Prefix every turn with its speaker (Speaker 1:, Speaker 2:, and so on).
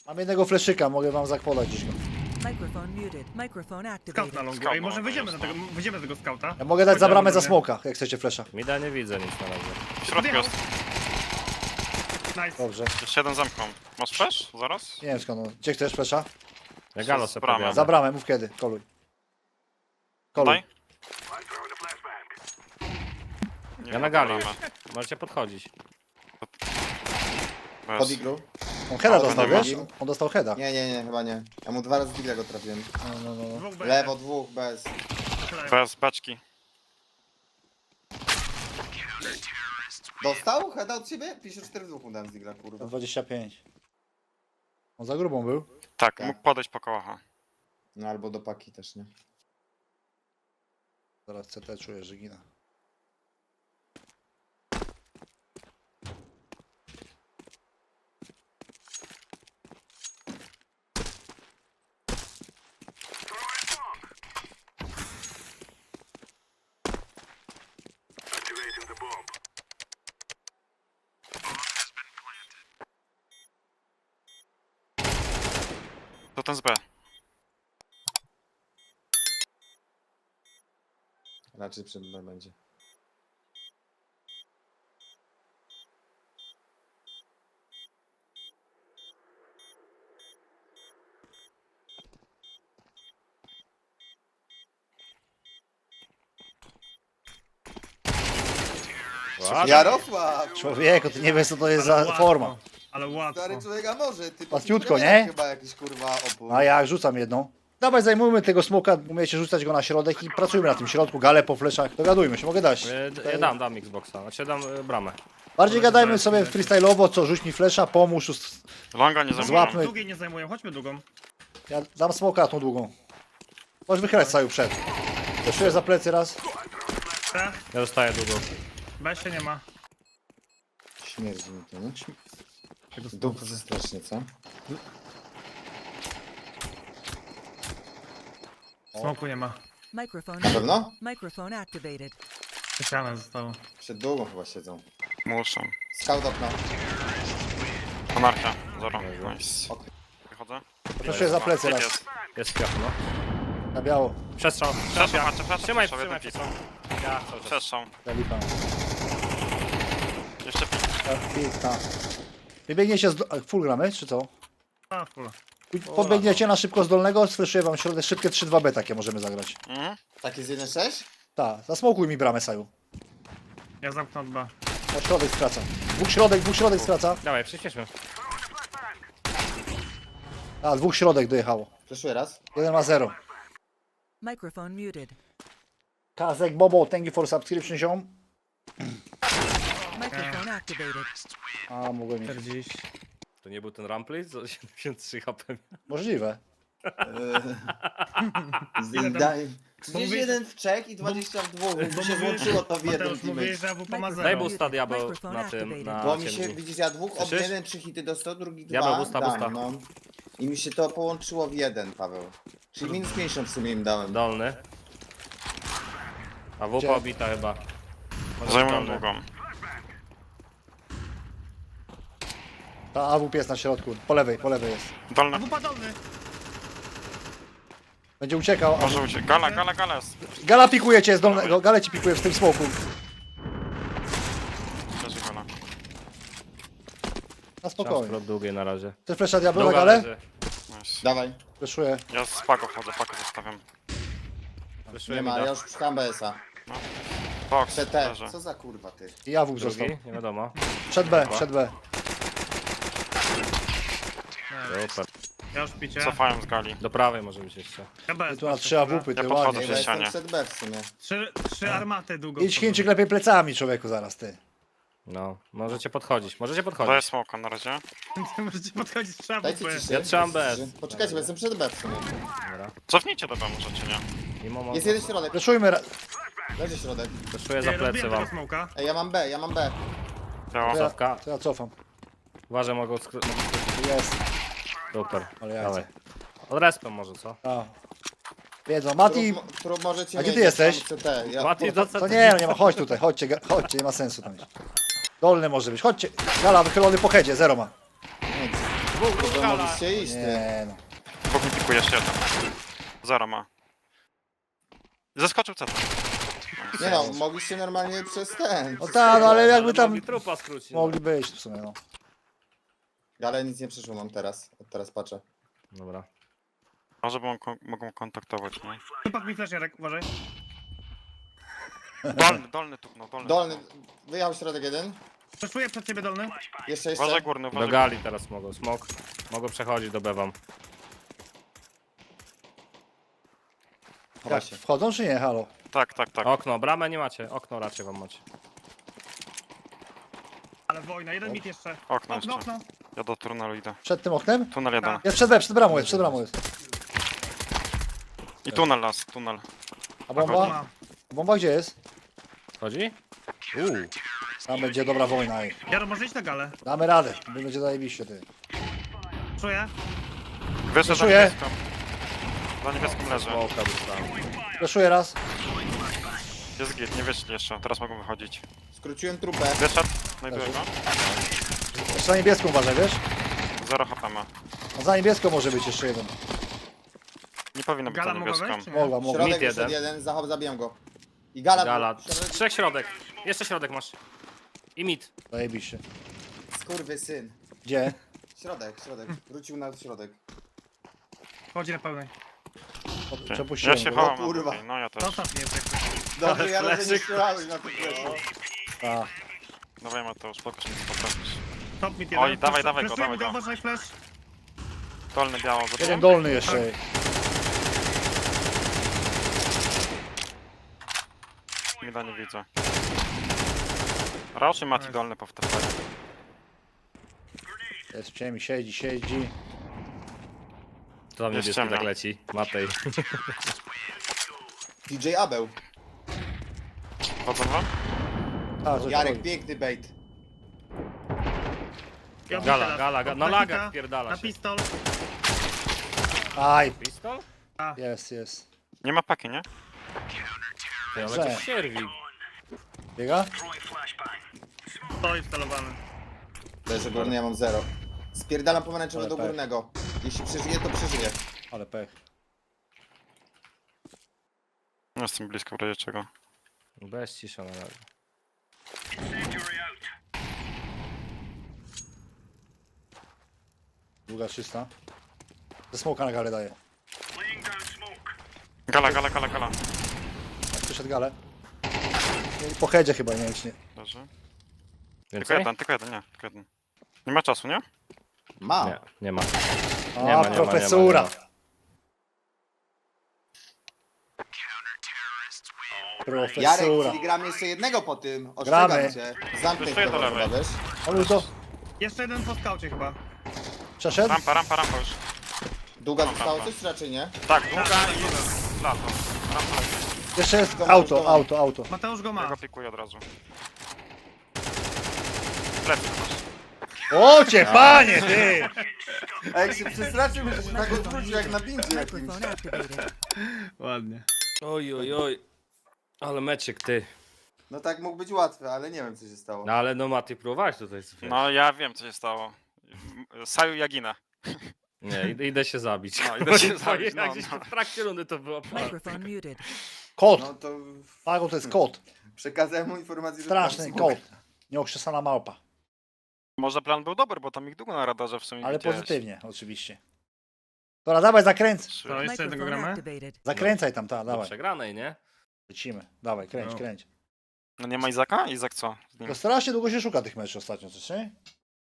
Speaker 1: Mam jednego fleszyka, mogę wam zakładać gdzieś go.
Speaker 2: Microphone muted. Microphone
Speaker 3: Scout
Speaker 2: activated.
Speaker 3: na longu.
Speaker 4: Scout
Speaker 3: Ej,
Speaker 4: na
Speaker 3: może
Speaker 4: longu
Speaker 3: wyjdziemy
Speaker 4: jest,
Speaker 3: do tego, wyjdziemy z tego scouta.
Speaker 1: Ja mogę dać za bramę za
Speaker 3: Chodźmy,
Speaker 1: smoka, jak chcecie flesza.
Speaker 5: Mida nie widzę nic na razie.
Speaker 4: W środku jest.
Speaker 3: Nice.
Speaker 1: Dobrze.
Speaker 4: Jeszcze jeden zamknął. Masz flash? Zaraz?
Speaker 1: Nie wiem skąd on. Gdzie chcesz flesza?
Speaker 5: Ja galo
Speaker 4: Z
Speaker 5: sobie
Speaker 4: bramy.
Speaker 5: pobijadę.
Speaker 1: Za bramę, mów kiedy. Koluj. Koluj.
Speaker 4: Daj. Nie
Speaker 5: Ja
Speaker 4: ma
Speaker 5: na gali
Speaker 4: bramy.
Speaker 5: już. Możecie podchodzić.
Speaker 4: Bez.
Speaker 6: Pod iglu?
Speaker 1: On heada
Speaker 4: A,
Speaker 1: dostał,
Speaker 4: nie ma.
Speaker 1: wiesz? On dostał heada.
Speaker 6: Nie, chyba nie. Ja mu 2 razy digla go trafiłem.
Speaker 1: No.
Speaker 3: Dwóch B.
Speaker 6: Lewo, dwóch, bez.
Speaker 4: Bez beczki.
Speaker 6: Dostał? Heada od ciebie? 54 w dwóch mu dałem z digla, kurwa.
Speaker 1: 25. On za grubą był.
Speaker 4: Tak,
Speaker 6: Tak.
Speaker 4: mógł podejść po kołacha.
Speaker 6: No albo do paki też, nie?
Speaker 1: Zaraz CT czuję, że gina.
Speaker 4: To ten z B.
Speaker 6: Raczej przed B będzie.
Speaker 5: Ładnie.
Speaker 6: Jarosław!
Speaker 1: Człowieku, ty nie wiesz co to jest za forma.
Speaker 3: Ale łatwo.
Speaker 6: Stary człowiek, a może? Ty
Speaker 1: Łatwiutko,
Speaker 6: powinieneś
Speaker 1: nie?
Speaker 6: Chyba jakiś kurwa opór.
Speaker 1: A ja rzucam jedną. Dawaj, zajmujmy tego smoka, umiecie rzucać go na środek i pracujmy na tym środku, gale po fleszach. Dogadujmy się, mogę dać.
Speaker 5: Ja dam Xboxa. Znaczy dam bramę.
Speaker 1: Bardziej gadajmy sobie freestyle'owo, co rzuć mi flesza, pomóż.
Speaker 4: Longa nie zajmują.
Speaker 1: Złapmy.
Speaker 3: Długiej nie zajmują, chodźmy długą.
Speaker 1: Ja dam smoka tą długą. Możesz wychylać cały przed. Zeszuję za plecy raz.
Speaker 3: C.
Speaker 5: Ja zostaję długo.
Speaker 3: B się nie ma.
Speaker 6: Śmierdzi mi to, nie? Dupy ze strasznie, co?
Speaker 3: Smoku nie ma.
Speaker 2: Microphone.
Speaker 6: Na pewno?
Speaker 2: Microphone activated.
Speaker 3: Ściana zostało.
Speaker 6: Przed długą chyba siedzą.
Speaker 4: Muszą.
Speaker 6: Scout okno.
Speaker 4: Anarchia. Zero. Nice.
Speaker 6: Okej.
Speaker 4: Wychodzę.
Speaker 1: Zeszuję za plecy raz.
Speaker 4: Jest.
Speaker 5: Jest piach, no.
Speaker 1: Na biało.
Speaker 5: Przestrzał.
Speaker 4: Przeszło, patrzę,
Speaker 5: Trzymaj,
Speaker 4: przeszło, jeden
Speaker 5: trzymaj
Speaker 4: pik.
Speaker 5: pisą. Ja cały czas.
Speaker 4: Przeszło.
Speaker 1: Zalipam.
Speaker 4: Jeszcze pik.
Speaker 1: Pika. Wybiegniecie z... Full gramy, czy co?
Speaker 3: A, full.
Speaker 1: Podbiegniecie na szybko z dolnego, sfreszuję wam środek, szybkie 3-2B takie możemy zagrać.
Speaker 4: Mhm.
Speaker 6: Tak jest 1-6?
Speaker 1: Tak, zasmokuj mi bramę, Saju.
Speaker 3: Ja zamknę od B.
Speaker 1: Na środek skraca. Dwóch środek skraca.
Speaker 5: Dawaj, przyspieszmy.
Speaker 1: A, dwóch środek dojechało.
Speaker 6: Fleszuję raz.
Speaker 1: Jeden ma 0.
Speaker 2: Microphone muted.
Speaker 1: Kazek, Bobo, thank you for subscription, ziom.
Speaker 2: Microphone activated.
Speaker 1: A, mogłem mieć.
Speaker 3: 40.
Speaker 5: To nie był ten Rampley? Co 73 HP.
Speaker 1: Możliwe.
Speaker 6: Daj.
Speaker 3: Bo mówię-
Speaker 6: 31 w Czech i 20 w dwóch. Bo się złączyło to w jeden
Speaker 3: Mateusz, mówiłeś,
Speaker 6: teammate.
Speaker 3: że AWP ma
Speaker 5: Daj
Speaker 3: zero.
Speaker 5: boosta diabeł
Speaker 2: Microphone
Speaker 5: na tym,
Speaker 2: activated.
Speaker 5: na
Speaker 6: Bo mi się,
Speaker 5: ciemni.
Speaker 6: widzisz, ja dwóch od
Speaker 5: Słyszysz?
Speaker 6: jeden 3 hity dostał, drugi
Speaker 5: Ja
Speaker 6: 2
Speaker 5: mam busta, busta.
Speaker 6: dam, no. I mi się to połączyło w jeden, Paweł. Czyli minus 50 w sumie im dałem.
Speaker 5: Dolny. A wupa
Speaker 1: Gdzie?
Speaker 5: obita chyba. Może
Speaker 4: Zajmują
Speaker 5: dolny.
Speaker 4: długą.
Speaker 1: Ta AWP jest na środku. Po lewej jest.
Speaker 4: Dolny.
Speaker 3: AWP dolny.
Speaker 1: Będzie uciekał. A...
Speaker 4: Może uciec. Gala jest.
Speaker 1: Gala pikuje cię z dolnego. Gale ci pikuje w tym smoku.
Speaker 4: Leży gala.
Speaker 1: Na
Speaker 5: Czas
Speaker 1: spokojnie.
Speaker 5: prot długiej na razie.
Speaker 1: Chcesz flesza diabła na
Speaker 5: Długa
Speaker 1: galę?
Speaker 5: leży.
Speaker 4: Nice.
Speaker 6: Dawaj.
Speaker 1: Fleszuję.
Speaker 4: Ja z pago wchodzę, pago zostawiam.
Speaker 5: Wyszuję
Speaker 6: Nie
Speaker 5: mi
Speaker 6: ma,
Speaker 5: da.
Speaker 6: ja już szukam BS-a.
Speaker 4: Box,
Speaker 6: CT.
Speaker 4: leży.
Speaker 6: Co za kurwa ty?
Speaker 1: I AWP został.
Speaker 5: Drugi? Nie wiadomo.
Speaker 1: Przed B, przed B.
Speaker 5: Super.
Speaker 3: Ja już picie.
Speaker 4: Cofałem z gali.
Speaker 5: Do prawej może być jeszcze.
Speaker 3: Ja B.
Speaker 1: Tu na 3 AWP, ty
Speaker 4: Ja podchodzę.
Speaker 1: ładnie.
Speaker 6: Ej, bo jestem
Speaker 4: ścianie.
Speaker 6: przed B w sumie.
Speaker 3: Trzy armaty długo.
Speaker 1: Idź Chińczyk lepiej plecami, człowieku, zaraz ty.
Speaker 5: No, możecie podchodzić, możecie
Speaker 4: Daję
Speaker 5: podchodzić.
Speaker 4: smoka na razie.
Speaker 3: Możecie podchodzić z trzeba
Speaker 6: Dajcie
Speaker 3: AWP.
Speaker 6: ciszę.
Speaker 5: Ja trzymam BS.
Speaker 6: Poczekajcie, bo jestem przed B w sumie.
Speaker 5: Dobra.
Speaker 4: Cofnijcie do B możecie, nie?
Speaker 5: Mimo
Speaker 6: Jest jeden środek.
Speaker 1: Fleszujmy.
Speaker 6: Leży środek.
Speaker 5: Wyszuję za plecy
Speaker 3: Rozbijam tego
Speaker 5: wam.
Speaker 3: smoka.
Speaker 6: Ej, ja mam B, ja mam B.
Speaker 4: Biało.
Speaker 5: Cofka.
Speaker 1: To ja cofam.
Speaker 5: Uważaj, mogą
Speaker 1: Jest.
Speaker 5: Super.
Speaker 1: Ale
Speaker 5: Dawaj.
Speaker 1: jajce.
Speaker 5: Od respem może, co?
Speaker 1: A. Wiedzą. Mati,
Speaker 6: Trup możecie
Speaker 1: A gdzie
Speaker 6: mieć,
Speaker 1: ty jesteś?
Speaker 6: tam CT. Ja,
Speaker 5: Mati, do
Speaker 1: to nie, no nie ma, chodź tutaj, chodźcie, chodźcie, nie ma sensu tam iść. Dolny może być, chodźcie. Gala wychylony po headzie, 0 ma.
Speaker 5: Dwóch
Speaker 6: To
Speaker 5: gala.
Speaker 6: mogliście iść, ty.
Speaker 1: Nie no.
Speaker 4: Bóg mi pikuje jeszcze jeden. Zero ma. Zeskoczył CT.
Speaker 6: Nie no, mogliście normalnie przez ten.
Speaker 1: No tak, no ale jakby
Speaker 5: Ale
Speaker 1: tam
Speaker 5: mogli trupa skrócić. no.
Speaker 1: mogli być w sumie, no.
Speaker 6: Ale nic nie przyszło mam teraz. Od teraz patrzę.
Speaker 5: Dobra.
Speaker 4: Może mogą kontaktować, nie?
Speaker 3: Tupak mi flash, Jarek, uważaj.
Speaker 4: Dolny tu, no dolny.
Speaker 6: Dolny, wyjechał środek jeden.
Speaker 3: Flashuję przed ciebie dolny.
Speaker 6: Jeszcze.
Speaker 4: Uważaj górny,
Speaker 5: Do
Speaker 4: uważaj.
Speaker 5: gali teraz mogą. Smok. Mogą przechodzić do B wam.
Speaker 6: Chowa
Speaker 1: Jak,
Speaker 6: się.
Speaker 1: wchodzą czy nie? Halo?
Speaker 4: Tak.
Speaker 5: Okno, bramę nie macie. Okno raczej wam macie.
Speaker 3: Ale wojna, jeden mit jeszcze.
Speaker 4: Okno
Speaker 3: Okno,
Speaker 4: jeszcze.
Speaker 3: okno.
Speaker 4: Ja do tunelu idę.
Speaker 1: Przed tym oknem?
Speaker 4: Tunel jeden.
Speaker 3: Tak.
Speaker 1: Jest przed B, przed bramą jest, przed bramą jest.
Speaker 4: I tunel las, tunel.
Speaker 1: A bomba?
Speaker 3: Ma.
Speaker 1: A bomba gdzie jest?
Speaker 5: Chodzi?
Speaker 1: Tam będzie dobra wojna. Ej.
Speaker 3: Jaro, może iść na galę.
Speaker 1: Damy radę, będzie zajebiście ty.
Speaker 3: Czuję.
Speaker 4: Wyszedł za
Speaker 1: Wyszuję.
Speaker 4: niebieską. Za niebieskim leży.
Speaker 5: Smoka dostałem.
Speaker 1: Fleszuję raz.
Speaker 4: Jest git, nie wyszli jeszcze. Teraz mogą wychodzić.
Speaker 6: Skróciłem trupę.
Speaker 4: Wyszedł. Znajduję go.
Speaker 1: Jeszcze za niebieską uważaj, wiesz?
Speaker 4: 0 HP ma.
Speaker 1: A za niebieską może być jeszcze jeden.
Speaker 4: Nie powinno być za
Speaker 3: Gala mogła
Speaker 4: niebieską.
Speaker 3: wejść, czy nie?
Speaker 1: Mogła, mogła.
Speaker 6: Środek
Speaker 5: Mit
Speaker 6: wyszedł
Speaker 5: jeden.
Speaker 6: jeden, zachop zabijam go. I gala.
Speaker 5: Gala.
Speaker 6: Środek.
Speaker 5: Trzech środek. Jeszcze środek masz. I mid.
Speaker 1: Zajebiście.
Speaker 6: Skurwysyn.
Speaker 1: Gdzie?
Speaker 6: Środek. Wrócił na środek.
Speaker 3: Chodzi na pełnej.
Speaker 4: Ja
Speaker 1: Przepuściłem
Speaker 4: się
Speaker 1: go.
Speaker 4: chowam.
Speaker 6: kurwa.
Speaker 4: okej, No ja też.
Speaker 3: Zostaw mnie, jak
Speaker 6: Dobrze, ja
Speaker 5: fleszyk.
Speaker 6: nie strzelałeś na tym fleszu.
Speaker 1: A,
Speaker 4: Dawaj Mateusz, spoko, że nie potrafisz.
Speaker 3: Top mit jeden.
Speaker 4: Oj, dawaj, dawaj go,
Speaker 3: Flashuję,
Speaker 4: dawaj go.
Speaker 3: uważaj, flash.
Speaker 4: Dolny biało,
Speaker 1: jeden
Speaker 4: gotowy?
Speaker 1: dolny jeszcze. ej.
Speaker 4: Mida nie widzę. Raczej Mati dolny powtarzaj.
Speaker 1: Jest w ciemi, siedzi.
Speaker 5: To tam
Speaker 4: Jest
Speaker 5: niebieski
Speaker 4: ciemno.
Speaker 5: tak leci. Matej.
Speaker 6: DJ Abeł.
Speaker 4: Chodzą wam?
Speaker 1: A, że
Speaker 6: Jarek,
Speaker 1: to-
Speaker 6: piękny bait.
Speaker 3: Ja
Speaker 5: Gala,
Speaker 3: teraz.
Speaker 5: gala. Na
Speaker 3: Na
Speaker 5: lagach
Speaker 3: hita,
Speaker 5: wpierdala
Speaker 3: Na
Speaker 5: się.
Speaker 3: pistol.
Speaker 1: Aj,
Speaker 5: Pistol?
Speaker 1: jest.
Speaker 4: Nie ma paki, nie?
Speaker 5: Ty, ale
Speaker 1: Że.
Speaker 5: to sierwik.
Speaker 1: Biega?
Speaker 3: Stoi wstalowany.
Speaker 6: Leży górny, ja mam 0. Spierdalam pomarańczowy
Speaker 1: Ale
Speaker 6: do
Speaker 1: tak.
Speaker 6: górnego. Jeśli przeżyje, to przeżyje.
Speaker 1: Ale pech.
Speaker 4: Nie jestem blisko w razie czego.
Speaker 5: Bez cisza na razie.
Speaker 1: Długa 300. Ze smoka na galę daje.
Speaker 4: Gala.
Speaker 1: Jak przyszedł galę. I po headzie chyba, nie wiem czy nie.
Speaker 4: Leży. Tylko
Speaker 5: Więcej?
Speaker 4: jeden, tylko jeden. Nie ma czasu, nie?
Speaker 6: Ma.
Speaker 5: Nie, nie ma.
Speaker 1: A,
Speaker 5: Nie ma, nie ma,
Speaker 1: profesura.
Speaker 5: nie ma.
Speaker 6: Jarek,
Speaker 1: Profesura.
Speaker 6: czyli gramy jeszcze jednego po tym.
Speaker 1: Gramy.
Speaker 6: Ostrzegam cię. Zamknę
Speaker 4: Jeszcze do
Speaker 6: to,
Speaker 4: lewej.
Speaker 6: chyba, wiesz?
Speaker 1: Ale to
Speaker 3: Jeszcze jeden po skaucie chyba.
Speaker 1: przeszedł?
Speaker 4: Rampa już.
Speaker 6: Długa
Speaker 4: Dobra,
Speaker 6: zostało
Speaker 4: dobra.
Speaker 6: coś, czy raczej nie?
Speaker 4: Tak, długa i lato. Rampa leży.
Speaker 1: Jeszcze jest
Speaker 6: Zobacz, zobacz.
Speaker 1: auto.
Speaker 3: Mateusz go
Speaker 4: Ja
Speaker 3: ma.
Speaker 4: go pikuję od razu. Plecy masz.
Speaker 1: O cię, panie, ty!
Speaker 6: A jak się przestraszył, że się tak odwrócił jak na bindzie jakimś.
Speaker 2: Microphone activated.
Speaker 3: Ładnie.
Speaker 5: Oj. Ale meczyk ty.
Speaker 6: No tak mógł być łatwy, ale nie wiem co się stało.
Speaker 5: No ale no Mati próbować tutaj.
Speaker 4: No ja wiem co się stało. Saju Jagina.
Speaker 5: Nie, idę się zabić.
Speaker 4: No, idę się zabić,
Speaker 5: Jak
Speaker 4: no,
Speaker 5: gdzieś
Speaker 4: no.
Speaker 5: w trakcie rundy to było.
Speaker 2: Microphone muted.
Speaker 1: Kot.
Speaker 6: No to
Speaker 1: Pago to jest kot.
Speaker 6: przekazałem mu informację, że
Speaker 1: Straszny
Speaker 6: tam
Speaker 1: kot. Nieokrzesana małpa.
Speaker 4: Może plan był dobry, bo tam ich długo na radarze w sumie
Speaker 1: Ale
Speaker 4: widziałeś.
Speaker 1: pozytywnie, oczywiście. Dobra, dawaj, zakręć.
Speaker 4: Trzy.
Speaker 3: To jeszcze jednego
Speaker 2: Microphone
Speaker 3: gramy?
Speaker 2: activated.
Speaker 1: Zakręcaj tam,
Speaker 5: Do
Speaker 1: dawaj.
Speaker 5: przegranej, nie?
Speaker 1: Lecimy. Dawaj, kręć.
Speaker 3: No.
Speaker 4: No nie ma Izaka? Izak co? Z nim?
Speaker 1: To strasznie długo się szuka tych meczów ostatnio, coś nie?